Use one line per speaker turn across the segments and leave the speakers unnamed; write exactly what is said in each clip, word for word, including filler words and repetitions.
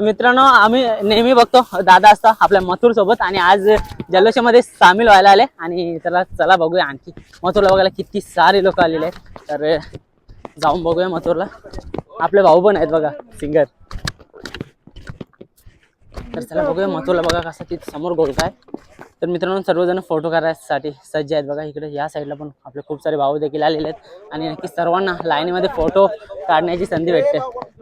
मित्रांनो आम्ही नेहमी बघतो दादा असता आपल्या मथुर सोबत आणि आज जल्लोषामध्ये सामील व्हायला आले आणि चला चला बघूया आणखी मथुरला बघायला किती सारे लोक आलेले आहेत। तर जाऊन बघूया मथुरला। आपले भाऊ पण आहेत बघा सिंगर। तर चला बघूया मथुरला बघा कसा तिथे समोर गोलका आहे। तर मित्रांनो सर्वजण फोटो काढण्यासाठी सज्ज आहेत बघा। इकडे या साईडला पण आपले खूप सारे भाऊ देखील आलेले आहेत आणि नक्की सर्वांना लाईनीमध्ये फोटो काढण्याची संधी भेटते।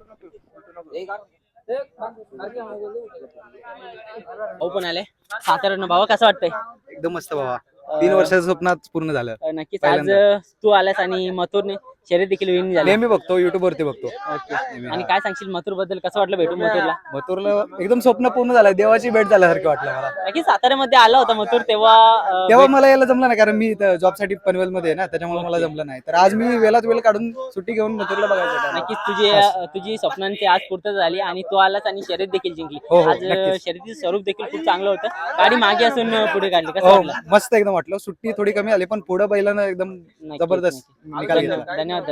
भाऊ पण आले साताऱ्यानं। भावा कसं वाटतंय?
एकदम मस्त भावा, तीन वर्षाचं स्वप्नात पूर्ण झालं।
नक्कीच आज तू आलास आणि मथुरने शर्यत देखील विन झाली।
नेहमी बघतो युट्यूब वरती बघतो।
ओके, आणि काय सांगशील मथुर बद्दल? कसं वाटलं भेटून मथुरला?
मथुरला एकदम स्वप्न पूर्ण झालं, देवाची भेट झाल्यासारखं वाटलं मला।
नक्कीच साताऱ्यामध्ये आला होता मथुर तेव्हा
तेव्हा मला यायला जमलं नाही कारण मी जॉब साठी पनवेल मध्ये आहे ना, त्याच्यामुळे मला जमलं नाही। तर आज मी वेळात वेळ काढून सुट्टी घेऊन मथुरला बघायचं।
नक्कीच तुझी तुझी स्वप्नांची आज पूर्तता झाली आणि तू आलास आणि शर्यत देखील जिंकली। आज शर्यतीचं स्वरूप देखील खूप चांगलं होतं। गाडी मागे असून पुढे काढली, कसं वाटलं?
मस्त एकदम वाटलं। सुट्टी थोडी कमी आली पण पुढे बैलानं एकदम जबरदस्त निकाल घेतला।
धन्यवाद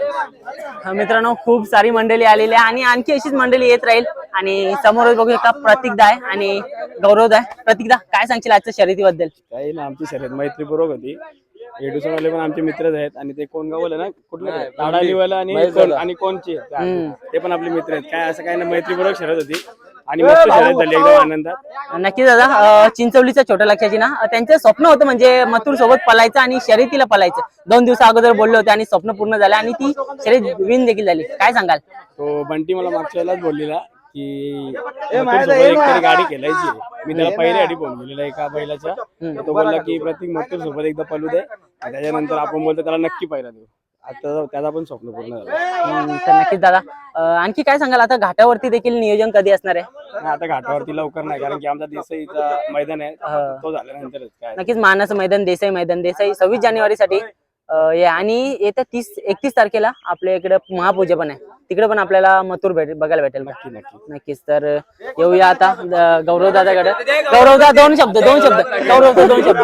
दादा। मित्रांनो खूप सारी मंडळी आलेली आहे आणि आणखी अशीच मंडळी येत राहील। आणि समोर बघू शकता प्रतीकदा आहे आणि गौरवदा आहे। प्रतीकदा काय सांगशील आजच्या शर्यतीबद्दल?
काही ना, आमची शर्यत मैत्रीपूर्वक होती। एडुसनवाले पण आमचे मित्रच आहेत आणि ते कोण गावले ना कुठले ताडालीवाला आणि कोण आणि कोणचे ते पण आपले मित्र आहेत। काय असं काही ना, मैत्रीपूर्वक शर्यत होती आणि मस्त शर्यत झाली एकदम आनंदात।
नक्की दादा, चिंचवलीच्या छोट्या लक्षाची ना त्यांचं स्वप्न होतं म्हणजे मथुर सोबत पळायचं आणि शर्यतीला पळायचं। दोन दिवसा अगोदर बोलले होते आणि स्वप्न पूर्ण झालं आणि ती शर्यत विन देखील झाली। काय सांगाल?
तो बंटी मला मागच्या वेळेलाच बोललेला की एकतरी गाडी खेळायची। मी त्याला पहिली गाडी फोन केलेला एका बैलाच्या, तो बोलला की प्रतीक मथुर सोबत एकदा पळू दे, त्याच्यानंतर आपण बोलतो त्याला नक्की पहिला देऊ। आता त्याचा पण स्वप्न पूर्ण झालं।
तर नक्कीच दादा, आणखी काय सांगाल? आता घाटावरती देखील नियोजन कधी असणार आहे?
आता घाटावरती लवकर नाही कारण की आमचा देसाईचा मैदान आहे, तो झाल्यानंतरच काय।
नक्कीच मानाचं मैदान, देसाई मैदान, देसाई सव्वीस जानेवारी साठी आणि येत्या तीस एकतीस तारखेला आपल्या इकडे महापूजा पण आहे, तिकडे पण आपल्याला मथुर भेट बघायला भेटेल।
नक्की नक्की
नक्कीच। तर येऊया आता गौरव दादाकडे। गौरवदा दोन शब्द दोन शब्द गौरवदा दोन शब्द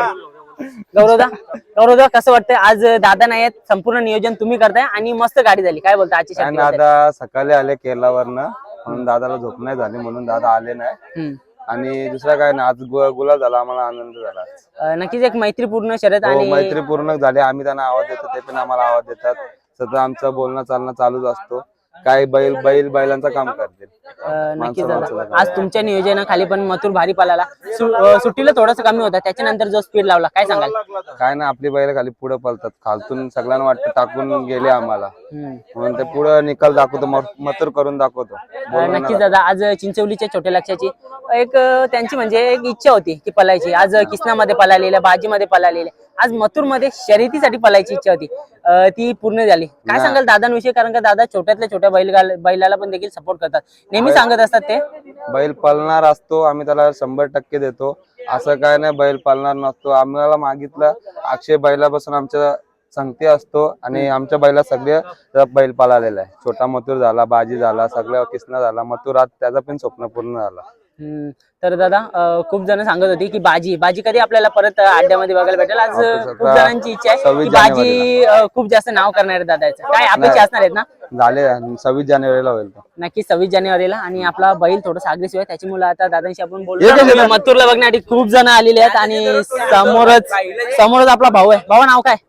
गौरवदा गौरवदा कसं वाटतंय? आज दादा नाही आहेत, संपूर्ण नियोजन तुम्ही करताय आणि मस्त गाडी झाली। काय बोलता आजची शर्यत?
दादा सकाळी आले केरलावरनं, म्हणून दादाला झोप नाही झाली म्हणून दादा आले नाही। आणि दुसरा काय ना, आज गुलाल झाला, आम्हाला आनंद झाला।
नक्कीच एक मैत्रीपूर्ण शर्यत आणि
मैत्रीपूर्ण झाली। आम्ही त्यांना आवाज देतो, ते पण आम्हाला आवाज देतात। सतत आमचं बोलणं चालणं चालूच असतो। काही बैल बैल बैलांचं काम करते।
नक्कीच दादा, आज तुमच्या नियोजनाखाली पण मथुर भारी पळाला। सुट्टीला थोडंसं कमी होता, त्याच्यानंतर जो स्पीड लावला, काय सांगाल?
काय ना, आपली बैल खाली पुढे पळतात, खालतून सगळ्यांना वाटतं टाकून गेले आम्हाला, म्हणून ते पुढे निकाल दाखवतो, मथुर करून दाखवतो।
नक्कीच दादा, आज चिंचवलीच्या छोट्या लक्षाची एक त्यांची म्हणजे एक इच्छा होती की पळायची। आज किसनामध्ये पळालेल्या, बाजीमध्ये पळालेल्या, आज मथुर मध्ये शर्यतीसाठी पळायची इच्छा होती, ती पूर्ण झाली। काय सांगाल दादांविषयी? कारण का दादा छोट्यातल्या छोट्या बैल बैलाला पण देखील सपोर्ट करतात, नेहमी सांगत असतात ते
बैल पळणार असतो, आम्ही त्याला शंभर टक्के देतो। असं काय नाही बैल पळणार नसतो। आम्हाला मागितलं अक्षय बैलापासून आमच्या संगती असतो आणि आमच्या बैला सगळे बैल पळालेला आहे। छोटा मथुर झाला, बाजी झाला, सगळं किसना झाला, मथुर आज त्याचा पण स्वप्न पूर्ण झाला।
हम्म तर दादा खूप जण सांगत होती की बाजी बाजी कधी आपल्याला परत अड्ड्यामध्ये बघायला भेटेल? आज खूप जणांची इच्छा आहे की बाजी खूप जास्त नाव करणार आहे दादाचं। काय अपेक्षा असणार आहेत ना?
झाले सव्वीस जानेवारीला होईल तो।
नक्की सव्वीस जानेवारीला। आणि आपला बैल थोडासा अग्रेसिव्ह आहे, त्याच्यामुळे आता दादांशी आपण बोलू। मथुरला बघण्यासाठी खूप जण आलेले आहेत आणि समोरच समोरच आपला भाऊ आहे। भाऊ नाव काय?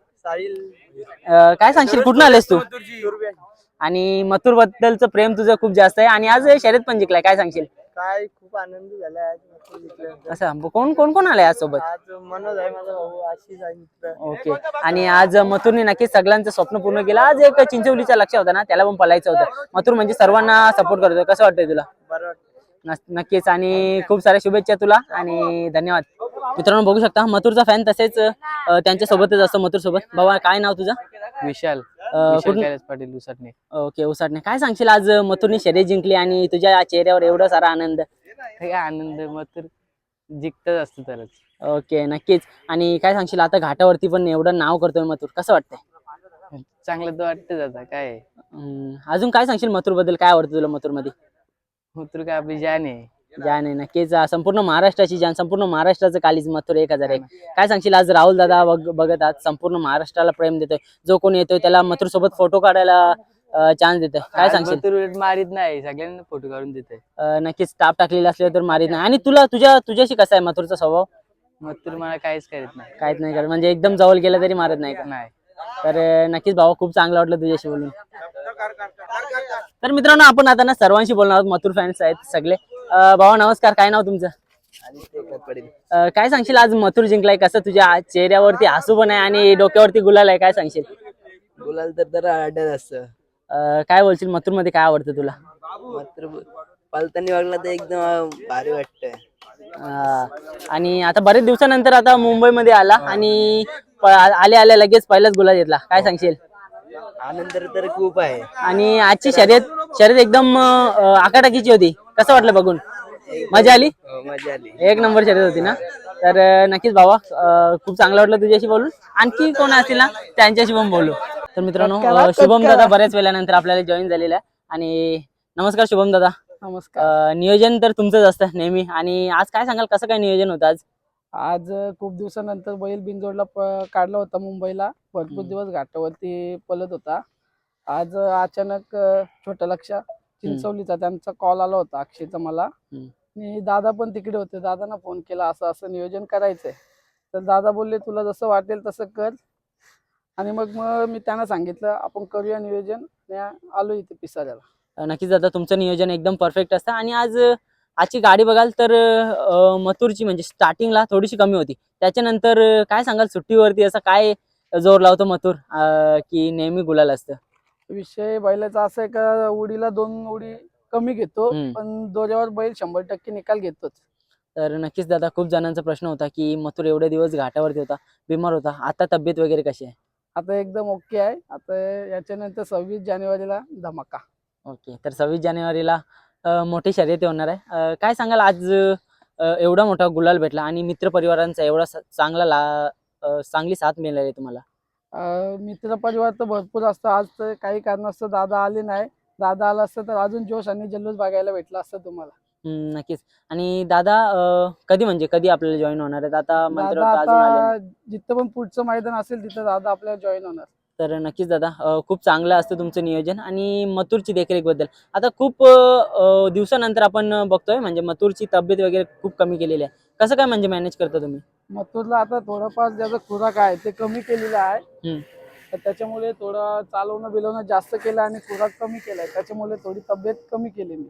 काय सांगशील, कुठून आलेस तू? आणि मथुर बद्दलचं प्रेम तुझं खूप जास्त आहे आणि आज शर्यत पण जिंकलाय, काय सांगशील?
काय खूप आनंद झाला आज।
असं कोण कोण कोण आलाय आज सोबत?
आज मनोज आहे माझा भाऊ, आशिष आहे मित्र।
ओके, आणि आज मथुरने नक्कीच सगळ्यांचं स्वप्न पूर्ण केलं। आज एक चिंचवलीचा लक्ष होता ना, त्याला पण पळायचं होतं। मथुर म्हणजे सर्वांना सपोर्ट करतो, कसं वाटतंय तुला?
बरं
नक्कीच, आणि खूप साऱ्या शुभेच्छा तुला आणि धन्यवाद। मित्रांनो बघू शकता मथुरचा फॅन तसेच त्यांच्या सोबतच असतो मथुर सोबत। बाबा काय नाव तुझं?
विशाल पाटील उसाटणे।
ओके, उसाटणे। काय सांगशील, आज मथुरने शर्यत जिंकली आणि तुझ्या चेहऱ्यावर एवढा सारा आनंद?
आनंद मथुर जिंकतच असतो तरच।
ओके, नक्कीच। आणि काय सांगशील, आता घाटावरती पण एवढं नाव करतोय मथुर, कसं वाटतंय?
चांगलं तर वाटतं दादा। काय
अजून काय सांगशील मथुर बद्दल? काय आवडतं तुला मथुर मध्ये?
मथुर काय आपली जान आहे।
जान आहे, नक्कीच संपूर्ण महाराष्ट्राची जान, संपूर्ण महाराष्ट्राचं कालीज मथुर एक हजार एक। काय सांगशील, आज राहुल दादा बघत आज संपूर्ण महाराष्ट्राला प्रेम देतोय, जो कोणी येतोय त्याला मथुर सोबत फोटो काढायला चान्स देतोय, काय सांगशील?
मथुर उलट मारित नाही, सगळ्यांना फोटो काढून देतोय.
अं, नक्कीच स्टाफ टाकलेला असले तर मारित नाही. आणि तुला तुझ्या तुझ्याशी कसा आहे मथुरचा स्वभाव?
मथुर मला काहीच करत नाही.
काहीच नाही करत म्हणजे एकदम जवळ गेला तरी मारत नाही का?
नाही.
तर अं, नक्कीच भावा खूप चांगलं वाटलं तुझ्याशी बोलून. तर मित्रांनो आपण आता ना सर्वांशी बोलणार आहोत, मथुर फॅन्स आहेत सगळे. अं, भावा नमस्कार, काय नाव तुमचं? अं, काय सांगशील आज मथुर जिंकलाय, कसं तुझ्या चेहऱ्यावरती हसू पण आहे आणि डोक्यावरती गुलाल आहे, काय सांगशील?
गुलाल तर तर आढळ असतं.
अं, काय बोलशील मथुर मध्ये काय आवडतं तुला?
मात्र पालतानी वागला तर एकदम भारी वाटतंय.
अं, आणि आता बरेच दिवसानंतर आता मुंबईमध्ये आला आणि प- आले आले लगेच पहिलाच गुलाल घेतला, काय सांगशील?
आनंद तर खूप आहे.
आणि आजची शर्यत शर्यत एकदम अं, आकाटाकीची होती, कसं वाटलं बघून? मजा आली?
मजा आली.
एक नंबर शर्यत होती ना? तर अं, नक्कीच भावा अं, खूप चांगलं वाटलं तुझ्याशी बोलून. आणखी कोण असतील ना त्यांच्याशी पण बोलू. तर मित्रांनो अं, शुभम दादा बऱ्याच वेळानंतर आपल्याला जॉईन झालेला आहे. आणि नमस्कार शुभम दादा.
नमस्कार.
अं, नियोजन तर तुमचंच असतं नेहमी, आणि आज काय सांगाल कसं काय नियोजन होतं आज?
आज खूप दिवसानंतर बैल बिनजोडला प- काढला होता मुंबईला. भरपूर
हम्म.
दिवस घाटावरती पळत होता. आज अचानक अ, छोट्या लक्ष्या चिंचवलीचा त्यांचा कॉल आला होता अक्षयचा मला.
हम्म.
आणि दादा पण तिकडे होते, दादांना फोन केला असं असं नियोजन करायचंय. तर दादा बोलले तुला जसं वाटेल तसं कर. आणि मग मग मी त्यांना सांगितलं आपण करूया नियोजन. आणि आलो इथे पिसाऱ्याला.
अं, नक्कीच दादा तुमचं नियोजन एकदम परफेक्ट असतं. आणि आज अं, आजची गाडी बघाल तर अं, मथुरची म्हणजे स्टार्टिंगला थोडीशी कमी होती, त्याच्यानंतर अं, काय सांगाल सुट्टीवरती असं काय जोर लावतो मथुर अं, की नेहमी गुलाल असतं?
विषय बैलाचा असा आहे का उडीला दोन उडी कमी घेतो,
हम्म.
पण दोऱ्यावर बैल शंभर टक्के निकाल घेतोच.
तर नक्कीच दादा खूप जणांचा प्रश्न होता की मथुर एवढे दिवस घाटावरती होता, बिमार होता, आता तब्येत वगैरे कशी आहे?
आता एकदम ओके आहे. आता याच्यानंतर सव्वीस जानेवारीला धमाका.
ओके, तर सव्वीस जानेवारीला अं, मोठी शर्यत होणार आहे. अं, काय सांगाल आज अं, एवढा मोठा गुलाल भेटला आणि मित्रपरिवारांचा एवढा स- चांगला ला अं, चांगली साथ मिळाली तुम्हाला?
अं, मित्र परिवार तर भरपूर असतं. आज तर काही कारणास्तव दादा आले नाही. दादा आला असतं तर अजून जोश आणि जल्लोष बघायला भेटला असतं तुम्हाला.
हम्म, नक्कीच. आणि दादा अं, कधी म्हणजे कधी आपल्याला जॉईन होणार आहेत? आता मंत्र
दादा
अजून आले नाही.
आता जिथं पण पुढचं मैदान असेल तिथं दादा आपल्याला जॉईन होणार.
तर नक्कीच दादा अं, खूप चांगलं असतं तुमचं नियोजन. आणि मथुरची देखरेख बद्दल आता खूप अं, दिवसानंतर आपण बघतोय म्हणजे मथुरची तब्येत वगैरे खूप कमी केलेली आहे, कसं काय म्हणजे मॅनेज करता तुम्ही?
मथुरला आता थोडंफार ज्याचा खुराक आहे ते कमी केलेला आहे.
हम्म.
तर त्याच्यामुळे थोडं चालवणं बिलवणं जास्त केलं आणि खुराक कमी केलाय, त्याच्यामुळे थोडी तब्येत कमी केली मी.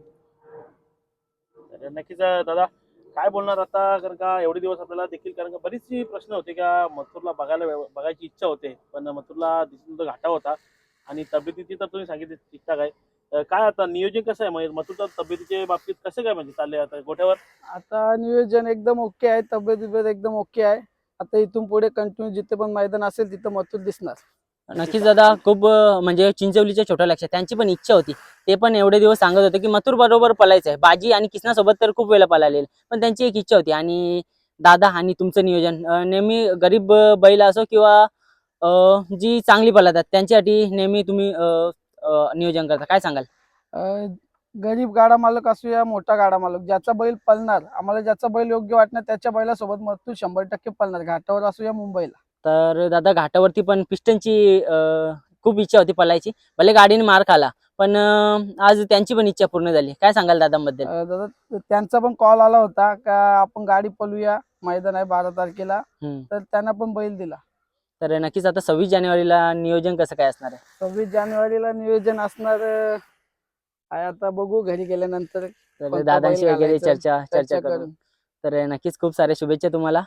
तर नक्कीच अं, दादा काय बोलणार आता, कारण का एवढे दिवस आपल्याला देखील, कारण का बरीचशी प्रश्न होते का मथुरला बघायला बघायची इच्छा होते, पण मथुरला दिसून तो घाटा होता आणि तब्येतीची तर तुम्ही सांगितली ठीकठाक आहे. अं, काय आता नियोजन कसं आहे म्हणजे मथुरच्या तब्येतीच्या बाबतीत कसं काय म्हणजे चाललंय आता गोठ्यावर?
आता नियोजन एकदम ओके आहे, तब्येत बिब्येत एकदम ओके आहे. आता इथून पुढे कंटिन्यू जिथे पण मैदान असेल तिथं मथुर दिसणार.
नक्कीच दादा खूप अं, म्हणजे चिंचवलीच्या छोट्या लक्षात त्यांची पण इच्छा होती, ते पण एवढे दिवस सांगत होते की मथुर बरोबर पळायचं आहे. बाजी आणि किसनासोबत तर खूप वेळा पळालेले, पण त्यांची एक इच्छा होती. आणि दादा आणि तुमचं नियोजन अं, नेहमी गरीब अं, बैल असो किंवा अं, जी चांगली पळतात त्यांच्यासाठी नेहमी तुम्ही अं, अं, नियोजन करता, काय सांगाल?
अं, गरीब गाडा मालक असू या मोठा गाडा मालक, ज्याचा बैल पळणार आम्हाला, ज्याचा बैल योग्य वाटणार त्याच्या बैलासोबत मथुर शंभर टक्के पळणार, घाटावर असू या मुंबईला.
तर दादा घाटावरती पण पिस्टनची अं, खूप इच्छा होती पळायची, भले गाडीने मार खाला, पण अं, आज त्यांची पण इच्छा पूर्ण झाली, काय सांगाल दादांबद्दल?
अं, दादा त्यांचा पण कॉल आला होता का आपण गाडी पळूया, मैदान आहे बारा तारखेला,
हम्म.
तर त्यांना पण बैल दिला.
तर नक्कीच आता सव्वीस जानेवारीला नियोजन कसं काय असणार आहे?
सव्वीस जानेवारीला नियोजन असणार अं, आहे, आता बघू घरी गेल्यानंतर
तर
कोणता
दादांशी
बैल
वगैरे
घालायचा,
चर्चा चर्चा
चर्चा
करू.
करून.
तर नक्कीच खूप साऱ्या शुभेच्छा तुम्हाला.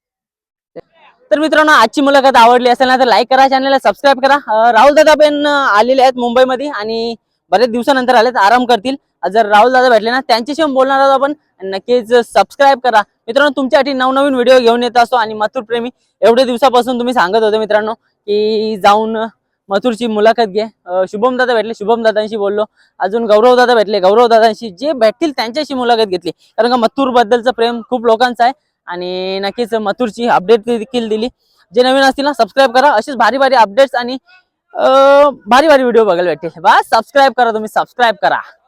तर मित्रांनो आजची मुलाखत आवडली असेल ना तर लाईक करा, चॅनलला सबस्क्राईब करा. अं, राहुल दादा पण आलेले आहेत मुंबईमध्ये आणि बरेच दिवसानंतर आलेत, आराम करतील. जर राहुल दादा भेटले ना त्यांच्याशी पण बोलणार आहोत आपण, नक्कीच सबस्क्राईब करा. मित्रांनो तुमच्यासाठी नवनवीन व्हिडिओ घेऊन येत असतो. आणि मथुर प्रेमी एवढे दिवसापासून तुम्ही सांगत होते मित्रांनो की जाऊन मथुरची मुलाखत घे. अं, शुभम दादा भेटले, शुभम दादांशी बोललो. अजून गौरव दादा भेटले, गौरव दादांशी, जे भेटतील त्यांच्याशी मुलाखत घेतली, कारण का मथुर बद्दलचं प्रेम खूप लोकांचं आहे. आणि नक्कीच मथुरची अपडेट देखील दिली. जे नवीन असतील ना सबस्क्राईब करा, अशीच भारी भारी अपडेट्स आणि अं, भारी भारी व्हिडिओ बघायला भेटतील. बस सबस्क्राईब करा, तुम्ही सबस्क्राईब करा.